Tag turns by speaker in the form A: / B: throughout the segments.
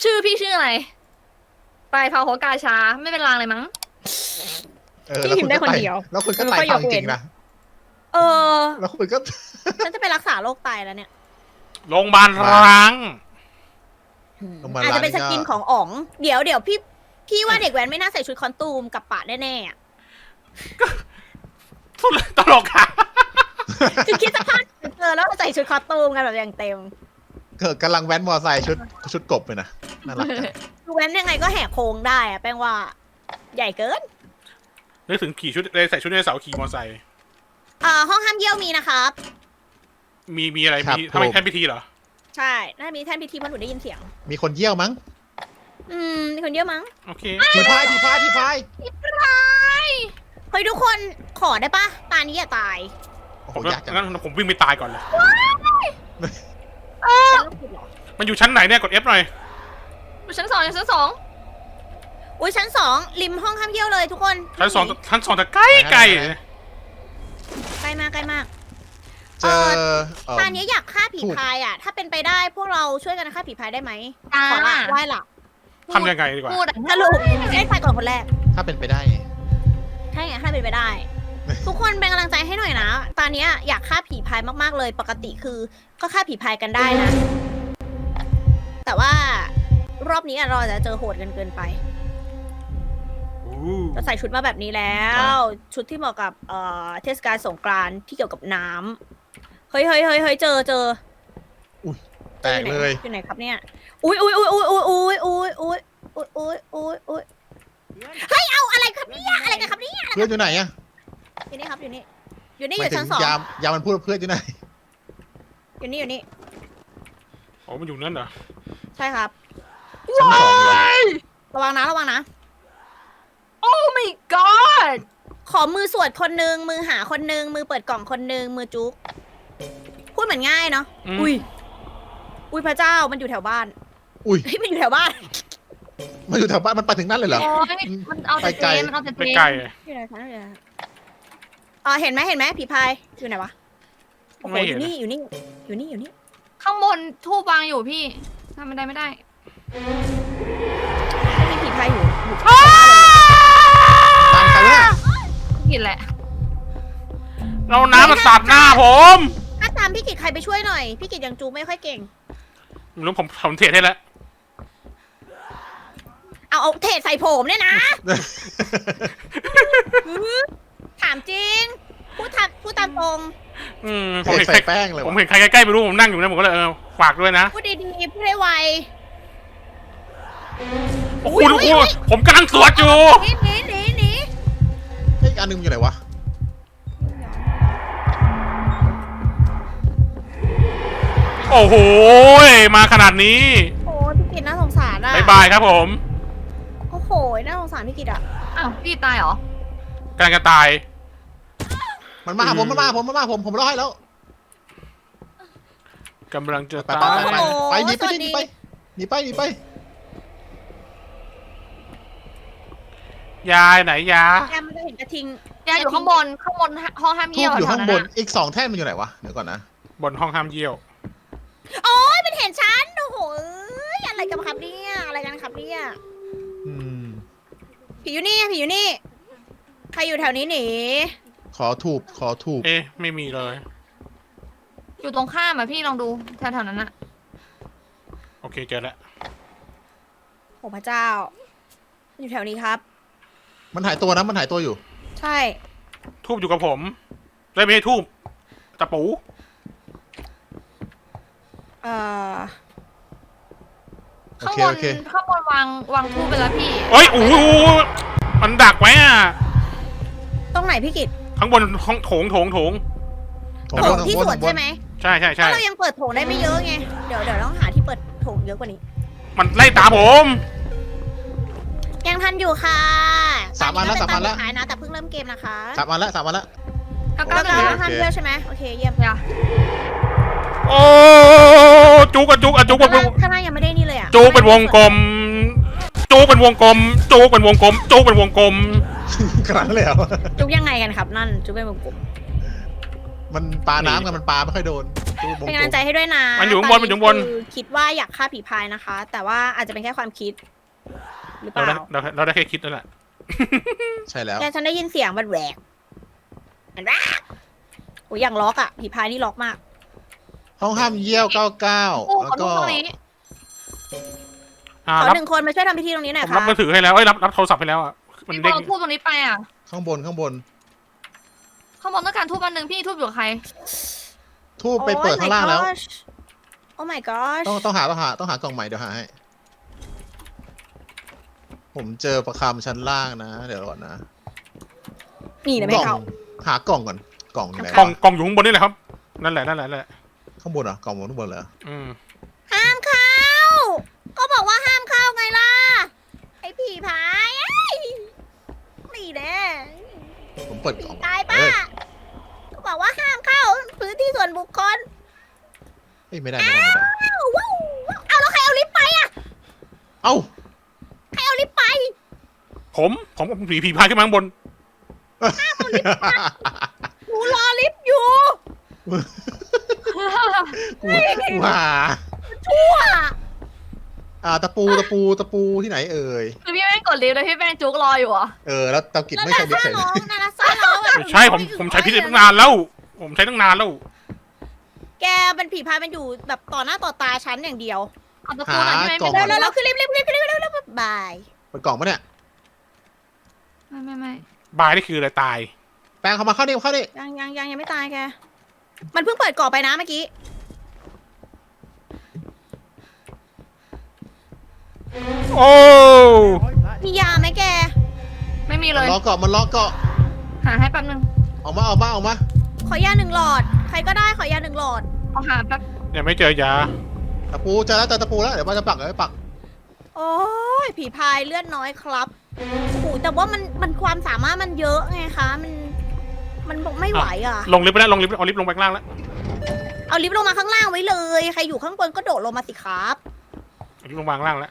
A: ชื่อพี่ชื่ออะไรปลายเผาหัวกาชาไม่เป็นรางเลยมั้ง
B: พี่พิมพ์ได้คนเดียว
C: แล้วคุณก็ไต่ฟังจริงนะ
B: เออ
C: แล้วคุณก็
B: ฉันจะไปรักษาโรคไตแล้วเนี่ย
D: โรงพยาบาลร้าง
B: อาจจะเป็นสกินของอ๋อง เดี๋ยวพี่ว่าเด็กแว้นไม่น่าใส่ชุดคอนตูมกับปะแน่ๆอะ
D: ทุเรศตลกค่ะ
B: คือคิดสภาพเจอแล้วใส่ชุดคอสตูมกันแบบอย่างเต็ม
C: กำลังแว้นมอไซค์ชุดกบเลยนะน่ารักจัง
B: ดูแว้นยังไงก็แหกโค้งได้อะแป้งว่า ใหญ่เกิน
D: นึกถึงขี่ชุดเลยใส่ชุดไดโนเสาร์ขี่มอเตอร์ไซค์
B: ห้องห้ามเยี่ยวมีนะครับ
D: มีอะไรมีทำไมแท่นพิธีเหรอ
B: ใช่น่ามีแท่นพิธีเพราะหนูได้ยินเสียง
C: มีคนเยี่ยวมั้ง
B: มีคนเยี่ยวมั้ง
D: โอเค
C: ทีพาย
B: เฮ้ยทุกคนขอได้ปะตานี้อย่าตาย
C: โอ้โห
D: ผมก็
C: ยากจัง
D: งั้นผมวิ่งไปตายก่อนเลย
B: เป็นโรคจิตเหรอ
D: มันอยู่ชั้นไหนเนี่ยกด F หน่อย
A: อยู่ชั้น 2อยู่ชั้น 2
B: อุ้ยชั้น2ริมห้องห้ามเยี่ยวเลยทุกคน
D: ชั้นสองแต่ใกล้ไกล
B: ใกล้มากใกล้มาก
C: เจอ
B: ตานี้อยากฆ่าผีพายอ่ะ ถ้าเป็นไปได้พวกเราช่วยกันฆ่าผีพายได้ไหมขอละไหว้ละ
D: ทำยังไงดีกว่า
A: พูดอะ
B: สรุปได้ไปก่อนคนแรก
C: ถ้าเป็นไปได้
B: ใช่ไงถ้าเป็นไปได้ ทุกคนเป็นกำลังใจให้หน่อยนะ ตอนนี้อยากฆ่าผีพายมากๆเลย ปกติคือก็ฆ่าผีพายกันได้นะ แต่ว่ารอบนี้เราจะเจอโหดกันเกินไป เราใส่ชุดมาแบบนี้แล้ว ชุดที่เหมาะกับเทศกาลสงกรานต์ที่เกี่ยวกับน้ำเฮ้ยเจอ
C: แตกเลย
B: อยู่ไหนครับเนี่ย อุ้ยเฮ้ยเอาอะไรครับเนี่ยอะไรกันครับเนี่ย
C: เพื่อนอยู่ไหนอะ
B: อยู่นี่ครับอยู่นี่อยู่
C: หมาย
B: ชั้
C: ถึ
B: น
C: ง
B: 2
C: ยามมันพูดว่าเพื่อนอยู่ไหน
B: อยู่นี่
D: โอ้มันอยู่นั่นเหรอ
B: ใช่ครับ
C: ชั้น 2เลย
B: ระวังนะ
A: โอ้ my god
B: ขอมือสวดคนนึงมือหาคนนึงมือเปิดกล่องคนนึงมือจุ๊กพูดเหมือนง่ายเนาะอุ้ยพระเจ้ามันอยู่แถวบ้าน
C: อุ้ย
B: เฮ้ยมันอยู่แถวบ้าน
C: มันอยู่แถวบ้านมันไปถึงนั่นเลยเหรอ
A: โอ้ยมันเอาแต่
C: ไปไกล
A: เจนมันเอาแต่เจ
D: ไป
A: น
D: ไกล
B: อยู่ไหนคะเห็นไหมผีพายอยู่ไหนวะโอ้โห
D: ไม่
B: อ
D: เห็น
B: ยู่นี่
A: ข้างบนทูบวางอยู่พี่ทำไม่ได้
B: ไม่มีผีพายอยู่
C: ตามใครวะ
A: ผิดแหละ
D: เราน้ำมาสาดหน้าผม
B: ถ้าตามพี่กิจใครไปช่วยหน่อยพี่กิจยังจูไม่ค่อยเก่ง
D: ไม่รู้ผมเทรดให้แล้ว
B: เอาเทใส่ผมเนี่ยนะ ถามจริงพูดตามตรง
D: ผมเห็น
C: ใส่แป้งเลย
D: ผม
C: วะ
D: เห็นใครใกล้ๆไม่รู้ผมนั่งอยู่นะผมก็เลยฝากด้วยนะ
B: พูดดีๆพูดให้ไว
D: โอ้โหผมกำลังสวดอยู่
B: หนี
C: เฮ้ยอีกอันหนึงอยู่ไหนวะ
D: โอ้โหมาขนาดนี้
B: โอ้พี่กิจน่าสงสารอ่ะ
D: บายบายครับผม
B: โอ้โหน่าสงสารพี่กิจอ่ะ
A: อ้าวพี่ตายเหรอก
D: ำลังจะตาย
C: มันมาหาผมผมรอให้แล้ว
D: กำลังจะ
C: ไป
D: ตาย
C: ไปหนีไป
D: ยายไหนยา
B: แกมันจะเห็นกระทิง
A: ยายอยู่ข้างบนห้องห้าม
C: ทู
A: เยี่ยว
C: บอยู่
A: แถว
C: ข้าง
A: นั้น
C: บน
A: อะ
C: อีก2แท่นมันอยู่ไหนวะเดี๋ยวก่อนนะ
D: บนห้องห้ามเยี่ยว
B: โอ้ยมันเห็นฉันโอ้โหอะไรกันครับเนี่ยอะไรกันครับเนี่ย
C: อืม
B: ผีอยู่นี่ใครอยู่แถวนี้หนี
C: ขอถูบ
D: เอ๊ะไม่มีเลย
A: อยู่ตรงข้ามอะพี่ลองดูแถวๆนั้นอะ
D: โอเคเจอแล้ว
B: โอ้พระเจ้ามันอยู่แถวนี้ครับ
C: มันหายตัวอยู่
B: ใช่
D: ทูบอยู่กับผมได้ไม่ให้ทูบตะปู
C: โอ
A: ข้าง
C: เค
A: บน
C: โอเค
A: ข้างบนวางทูบไปแล้วพี่
D: เอ้ยโอ้โหมันดักไว้อะ
B: ตรงไหนพี่กิต
D: ข้างบนห้องโถง
B: โถงที่สวนใช่ไหม
D: ใช่
B: ถ้าเรายังเปิดโถงได้ไม่เยอะไงเดี๋ยวต้องหาที่เปิดโถงเยอะกว่านี้
D: มันไล่ตามผม
B: ยังทันอยู่ค่ะ
C: 3 วันแล้ว
B: ตอนนี้ก็เป็นตอนสุดท้ายนะแต่เพิ่งเริ่มเกมนะคะ
C: 3 วันแล้ว
A: เก้า
B: ก็
A: เก้า
B: คือ
A: นะ
B: ห้ามเที่ยวใช่ไหมโอเคเยี่ยม
A: อย่า
D: โอ้จุกเป็น
B: ข้างหน้ายังไม่ได้นี่เลยอ่ะ
D: จุกเป็นวงกลมจุกเป็นวงกลม
C: ครั้งแล้ว
B: จุกยังไงกันครับนั่นจุกเป็นวงกลม
C: มันปลาน้ำกันมันปลาไม่ค่อยโดนตู้บง
B: เป็นกำลังใจให้ด้วยนะ
D: มันอยู่ข้างบนมันอยู่ข้างบน
B: คือคิดว่าอยากฆ่าผีพายนะคะ แต่ว่าอาจจะเป็นแค่ความคิด หรือเป
D: เรา
B: ล่า
D: ได้เราได้แค่คิดนั่นแหละ
C: ใช่แล้ว
B: แกฉันได้ยินเสียงมันแหวกมันแหวกโอ้ยอย่างล็อกอะผีพายนี่ล็อกมาก
C: ห้องห้ามเยี่ยว99
A: โอ้
C: แล้ว
A: ขอดู
C: ก็
A: ตรงนี้
B: ขอ
D: รับ
B: หนึ่งคนมาช่วยทำพิธีตรงนี้หน่อย
D: ผม
B: ค่ะ
D: รับมือถือให้แล้วเอ้ยรับโทรศัพท์ให้แล้วอ่ะมัน
A: พี่บ
D: เด้
A: อง ลทูบตรงนี้ไปอ่ะ
C: ข้างบน
A: ข้างบนต้องการทูบอันหนึ่งพี่ทูบอยู่กับใคร
C: ทูบไปเปิดข้างล่างแล้ว
B: โอ้ my gosh
C: ต้องหากล่องใหม่เดี๋ยวหาให้ ผมเจอประคำชั้นล่างนะ เดี๋ยวก่อนนะ
B: นี่นะไม่เข้า
C: หากล่องก่อนกล่องอยู่ไหน
D: กล่องอยู่ข้างบนนี่แหละครับนั่นแหละนั่นแหละ
C: ข้างบนเหรอกล่องบนข้างบนเหรอ
B: ห้ามเข้า ก็บอกว่าห้ามเข้าไงล่ะ ไอ้ผีพายไอ้นี่แน่
C: ผมเปิด
B: ผี
C: กล่อง
B: ตายป้าก็บอกว่าห้ามเข้าพื้นที่ส่วนบุคคล
C: เอ้ยไม่ได้
B: ว้าวเอาแล้วใครเอาลิฟต์ไปอะ
C: เอ้า
B: ใครเอาลิฟต์ไป
D: ผมผีพายขึ้นมาข้างบน
B: หนูรอลิฟต์อยู่
C: ว้า
B: ชั่ว
C: ตะปูที่ไหนเอ่ย
A: คือพี่แม่งกดลิฟต์เลยพี่แม่งจุกรออยู่อ่ะ
C: แล้วเตากิด
B: แล้ว
C: ไม่
B: นา
C: ใช่ดิ
B: ซา
C: เฉย
B: ร้องนาซาร้องแบบ
D: ไม่ใช่ผมใช้พิษตั้งนานแล้ว ผมใช้ตั้งนานแล้ว
B: แกเป็นผีพายมันอยู่แบบต่อหน้าต่อตาฉันอย่างเดียว
A: เอาตะปูหน่อยพี่แม่ง
B: แล้วคือลิฟต์บาย
C: เปิดกล่องปะเนี่ย
A: ไม่
D: บายนี่คืออะไรตาย
C: แปลงเข้ามาเข้าดิ
B: ยังไม่ตายแก มันเพิ่งเปิดกรอบไปนะเมื่อกี้
D: โอ้
B: มียาไหมแก
A: ไม่มี
C: มั
A: เล
C: น
A: ย
C: ล้อเกาะ
A: หาให้แป๊บนึง
C: ออกมา
B: ขอยา1 หลอด ใครก็ได้ขอยา1 หลอด
A: เอาหาแป๊บ
D: ยังไม่เจอยา
C: ตะปูเจอตะปูแล้วเดี๋ยวมันจะปักเลยปัก
B: โอ้ยผีพายเลือดน้อยครับโอ้โหแต่ว่ามันความสามารถมันเยอะไงคะ มันบอกไม่ไหวอ่ะ
D: ลงลิฟต์ไปแล้วเอาลิฟต์ลงไปข้างล่างแล้ว
B: เอาลิฟต์ลงมาข้างล่างไว้เลย ใครอยู่ข้างบนก็โดดลงมาสิครับ
D: เอาลิฟต์ลงมาข้างล่างแล้ว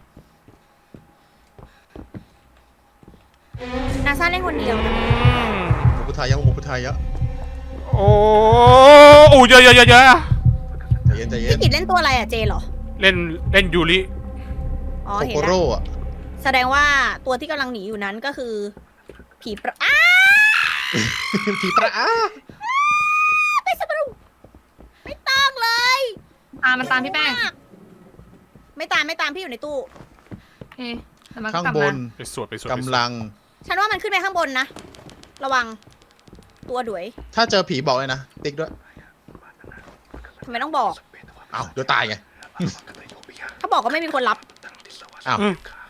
B: นาซาเล่นคนเดียว
C: หมูพุทธายะ
D: โอ้เยอะ
C: ใจเย็น
B: พี่กิจเล่นตัวอะไรอ่ะเจเหรอ
D: เล่นยูริ
B: อ๋อ
C: โค
B: เห็น
C: โค
B: แล้ว
C: โร่อะ
B: แสดงว่าตัวที่กำลังหนีอยู่นั้นก็คือ ผีประอ้า
C: ผีประอา
B: ไม่สมรุไม่ต้องเลย
A: มันตามพี่แป้ง
B: ไม่ตามพี่อยู่ในตู้
A: เอ๊ะแต่มันก็
C: ข้าง
A: กลับบ มาน
D: ไปสวด
C: กำลัง
B: ฉันว่ามันขึ้นไปข้างบนนะ ระวัง ตัวดุย
C: ถ้าเจอผีบอกเลยนะ ติ๊กด้วย
B: ทำไมต้องบอก
C: อ้าวเดี๋ยวตายไง
B: ถ้าบอกก็ไม่มีคนรับ
C: อ้าว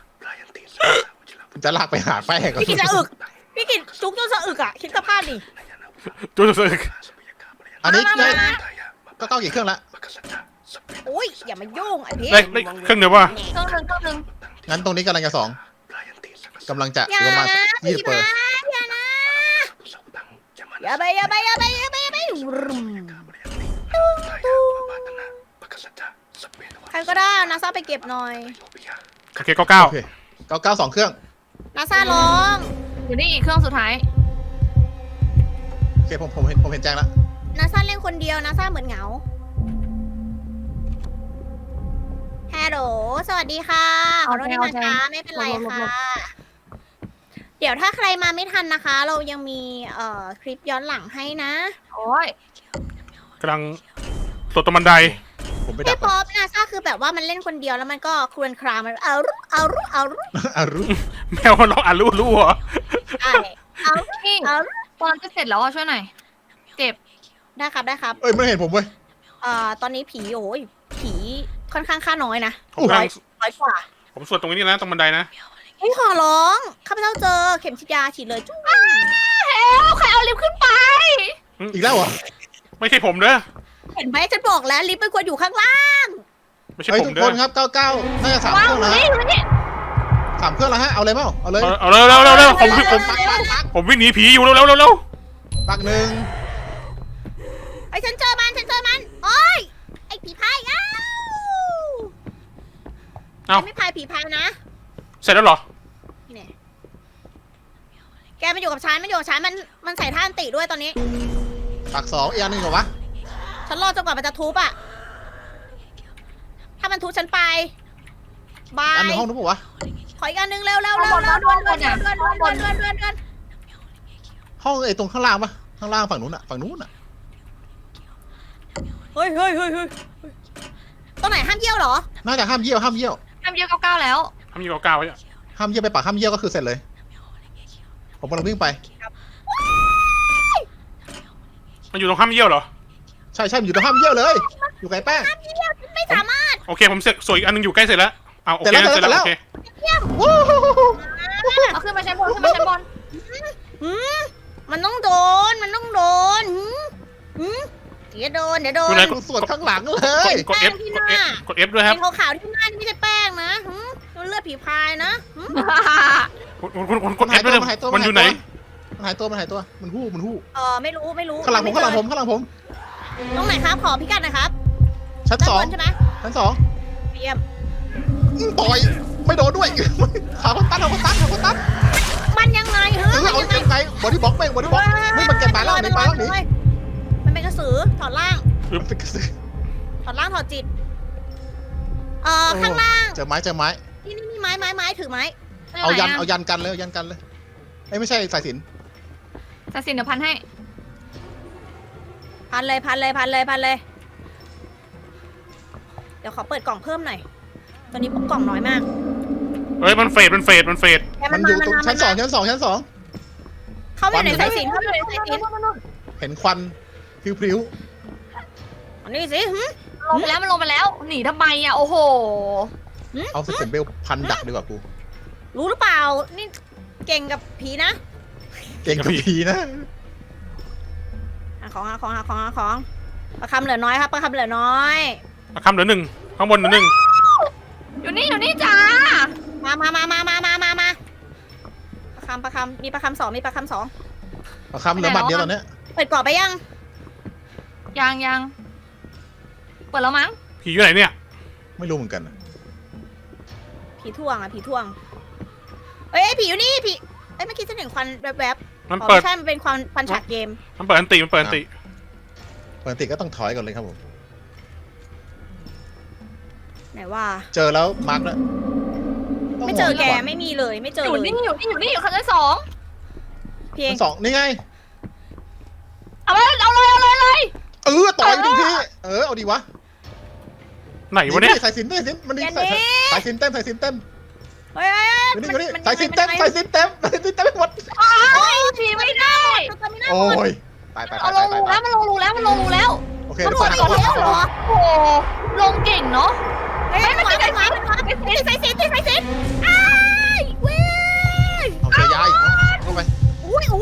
C: จะลากไปหาแป้งก่อน
B: พี่กิจจะอึก พี่กิจจุกจนสะอึกอ่ะ คิดสภาพดิ
D: จุดสึก
C: อันนี้
B: มา
C: ได้
B: มา
C: ก็กี่เครื่องละ
B: โอ้ยอย่ามายุ่งไอ้พี่
D: ได้เครื่องเดียวว่า
A: เครื่องหนึ่ง
C: งั้นตรงนี้กำลังจะ2กำลังจะ
B: อย่า
C: ประมาณ
B: นะ
C: 20
B: พี่
C: เปิด
B: พายอย่านะอย่าไปใครก็ได้นาซาไปเก็บหน่อย
D: โอเคก็เก้า
C: โอเค92เครื่อง
B: นาซาร้อง
A: อยู่นี่อีกเครื่องสุดท้าย
C: โอเคผมเห็นแจ้งแล้ว
B: นาซาเล่นคนเดียวนาซาเหมือนเหงาฮัลโหลสวัสดีค่ะขอโทษที่มาช้าไม่เป็นไรค่ะ เดี๋ยวถ้าใครมาไม่ทันนะคะ เรายังมีคลิปย้อนหลังให้นะ
A: โอ้ย
D: กำลังสวดตรงบันได
C: ผมไปดั
B: พี่
C: บ
B: ป๊อปนาซาคือแบบว่ามันเล่นคนเดียวแล้วมันก็ครวญครางมันเอารุ
C: อารุ
D: แมวมันร้องอ่านรู้เหรอ
B: ใช่เอา
A: พี่
B: เอารุ
A: ตอนจะเสร็จแล้วอ่ะช่วยหน่อยเจ็บ
B: ได้ครับได้ครับ
C: เอ้ยไม่เห็นผมเว้ย
B: ตอนนี้ผีโอ้ยผีค่อนข้างค่าน้อยนะ
D: ผมกำลัง
B: ร้อยกว่า
D: ผมสวดตรงนี้นะตรงบันไดนะ
B: เฮ้ยขอร้องข้าพเจ้าเจอเข็มฉีดยาฉีดเลยจุ๊บ
A: ใครเอาลิฟต์ขึ้นไป
C: อีกแล้วเหรอ
D: ไม่ใช่ผมเด้อ
B: เห็นไหมฉันบอกแล้วลิฟต์มันควรอยู่ข้างล่าง
D: ไม่ใช่
C: เฮ้ย
D: ผม
C: ทุก
D: เด้
C: ค
D: อน
C: ครับ99น่าจะ3เค
A: วาง
C: รื่อง
A: อยู่
C: แล้ว
A: นี่อยู่นี่
C: 3เครื่องแล้วฮะเอาเลยเปล่าเอาเลย
D: เอาเร็วผมวิ่งหนีผีอยู่เร็ว
C: ปักหนึ่ง
B: ไอ้ฉันเจอมันโอ้ยไอ้ผีพายอ้าว
D: เอ้า
B: ไม่พายผีพายนะ
D: เสร็จแล้วเหรอ
B: นี่แน่แกมันอยู่กับฉันมันใส่ท่าอันติด้วยตอนนี้
C: ไปปากสองอีกอันหนึ่งเหรอวะ
B: ฉันรอจนกว่ามันจะทุบอะถ้ามันทุบฉันไปบา
C: อันห
B: ย
C: นึ่งห้องนู้นปะวะ
B: ขออีกอันหนึงเร็วเร็วเร็วเร็วด่วนด่วนด่วนด่วนด่วนด่วนด่วนด่วนด่วน
C: ห้องไอ้ตรงข้างล่างปะข้างล่างฝั่งนู้นอะฝั่งนู้นอะ
B: เฮ้ยเฮ้ยเฮ้ยเฮ้ยตรงไหนห้ามเยี่ยวเหรอ
C: น่าจะห้ามเยี่ยวห้ามเยี่ยว
A: ทำเยอะเก้าแล้ว
D: ทำอยู่เก้าไว้อะ
C: ห้ามเยี่ยวไปปากห้ามเยี่ยวก็คือเสร็จเลย ผมกำลังวิ่งไป
D: มันอยู่ตรงข้ามเยี่ยวเหรอ
C: ใช่ใช่มันอยู่ตรงห้ามเยี่ยวเลย อยู่ไกลแป้ง
B: ไม่สามารถ
D: โอเคผมเสร็จสวยอีกอันหนึงอยู่ใกล้เสร็จแล้วเอาโอเค
C: เสร็จแล้ว
D: เสร็จแล้ว
C: เสร็จแล้ว
D: โอเค
C: วู้ฮู้ฮู้ฮู้
A: เอาขึ้นมาชั้นบนขึ้นมาชั้นบน
B: หืมมันต้องโดนมันต้องโดนหืมเดี๋ยวโดนเดี๋ยวโดน
C: ดูส่วนข้างหลังเลย
D: กด F กด F กด F ด้วยครับ
B: เป็นขาวๆที่หน้านี่ไม่ใช่แป้งนะหืมมันเลือดผีพายนะหืม
D: กด F ด้วยมันอยู่ไหน
C: มันหายตัวมันหายตัวมันหู้มันหู้
B: ไม่รู้ไม่รู้
C: ข้างหลังผมข้างหลังผมข้างหลังผม
B: ตรงไหนครับขอพิกัดหนะครับ
C: ชั้น
B: ด้าน
C: สอง
B: บนใช่ไหม
C: ชั้นสอง
B: เยี่ยม
C: ต่อยไม่โดนด้วยขาคนตันขาคนตันขาคนตัน
B: มันยังไงเฮ้ย
C: เอา
B: มันยังไง
C: ยังไงบอดี้บล็อกแม่งบอดี้บล็อกไม่มันเก็บปลายล่างหนีปลายล่างหนี
B: มันเป็นกระสือถอดล่าง
C: มันเป็นกระสือ
B: ถอดล่างถอดจิตข้างล่าง
C: เจอไม้เจอไม้
B: นี่ไม้ถือไม้
C: เอายันกันเลยเอายันกันเลยเอ้ยไม่ใช่สายสิญ
A: จะสินเดี๋ยวพันให้
B: พันเลยเดี๋ยวขอเปิดกล่องเพิ่มหน่อยตอนนี้กล่องน้อยมาก
D: เฮ้ยมันเฟด
C: มันอยู่ตรงชั้นสองชั้นสองชั้นสอง
B: เขาอยู่ในสายสิญเขาอยู่ในสายสิญ
C: เห็นควันพริ้ว
B: อันนี้สิ
A: ลงไปแล้วมันลงไปแล้ว หนีทำไมอ่ะโอ้โห
C: ๆเอาสเต็ปเบลพันดักดีกว่ากู
B: รู้หรือเปล่านี่เก่งกับผีนะ
C: เก่งกับผีนะ
B: หาของประคำเหลือน้อยครับประคำเหลือน้อย
D: มาคำเหลือหนึ่งข้างบนเหลือหนึ่ง
A: อยู่นี่จ้า
B: มาประคำมีประคำสอง
C: เอาคำเหลือหมัดเดียวตอนเนี้ย
B: เปิดกรอบไปยัง
A: ยังเปิดแล้วมั้ง
D: ผีอยู่ไหนเนี่ย
C: ไม่รู้เหมือนกันนะ
B: ผีท่วงเอ้ยผีอยู่นี่ผีเอ้ยเมื่อกี้ฉันเห็นควันแวบ
D: มัน
B: ๆ
D: เปิด
B: ไม่ใช่มันเป็นควันฉากเกม
D: มันเปิดอันติ
C: ปกติก็ต้องถอยก่อนเลยครับผม
B: ไหนว่า
C: เจอแล้วมาร์กแล้ว
B: ไม่เจอแกไม่มีเลยไม่เจอ
A: อยู่
B: เลย
A: นี่อยู่ชั้นสอง
B: เพียง
C: ชั้นสองนี่ไง
A: เอาเลย
C: ต่อยดูพี่เอาดีวะ
D: ไหนวะเนี่ย
C: สายสิญมันนี่สายสิญเต็มสายสิญเต็ม
B: เฮ้ย
C: นี่สายสิญเต็มสายสิญเต็มไปหมด
A: ผีไม่ได้
C: โอ้ยตาย
A: เอาลงรูแล้วมันลงรูแล้ว
C: โอเค
B: มัน
C: เดี๋ยว
B: หม
C: ก่อน
B: ดอีกแล้วเหรอ
A: โอ้โหลงเก่งเนาะ
B: เฮ้ยมันติดสายสิญอ้ายเว้ย
C: เอาเจอยาอีกเข้าไป
B: อุ้ย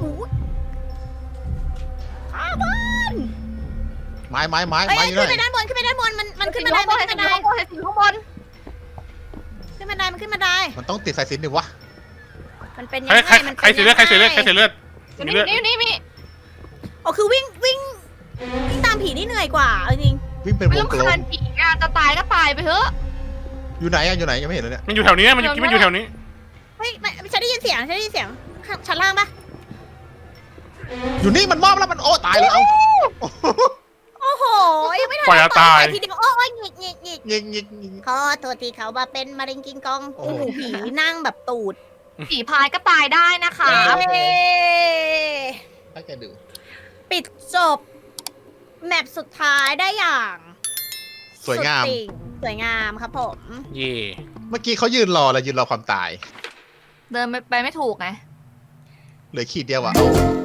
B: ข้าบ้าน
C: ไม้
B: เอ้ย
C: อยู่
B: ขึ้น
C: ไห
B: ไป
C: น
B: ด้านบนมันขึ้น
A: ข้า
B: บั
A: ง
B: น
A: บ
B: ได
A: นข้างบน
B: ขึ้นบันไดมัน
C: มันต้องติดสายสิญดิวะ
B: มันเป็นยัง
D: ใคร
B: ไงมัน
D: ใครเสียเลือดใครเสียเลือด
A: อยู่นี่มี
B: อ๋อคือวิ่งตามผีนี่เหนื่อยกว่าจริง
C: วิ่งเป็น
A: ไม่
C: ว
A: ต้อง ง
C: กล
A: คาม นผีอ่ะจะตายก็ตายไปเถอะ
C: อยู่ไหนยังไม่เห็นเลยเนี่ย
D: มันอยู่แถวนี้มันอยู่แถวนี้
B: เฮ้ยฉันได้ยินเสียงชั้นล่างปะ
C: อยู่นี่มันมอบแล้วมันโอ้ตายเลยเอา
B: โอ้โหยังไม่ทัน
D: ปล่อยตาย
B: ทีเดียวโอ้ยหงิก
C: ยิง
B: ขอโทษทีเขามาเป็นมะเร็งกิงกอง
C: โอ้
B: โอ้
C: โห
B: โหผีนั่งแบบตูด
A: ผีพายก็ตายได้นะคะ
C: ครับ
B: เย้
C: ให้แกดู
B: ปิดจบแมปสุดท้ายได้อย่าง
C: สวยงาม
B: สุดติ่งสวยงามครับผม
D: เย่
C: เมื่อกี้เขายืนรอความตาย
A: เดินไปไม่ถูกไง
C: เหลือขีดเดียวอ่ะเอา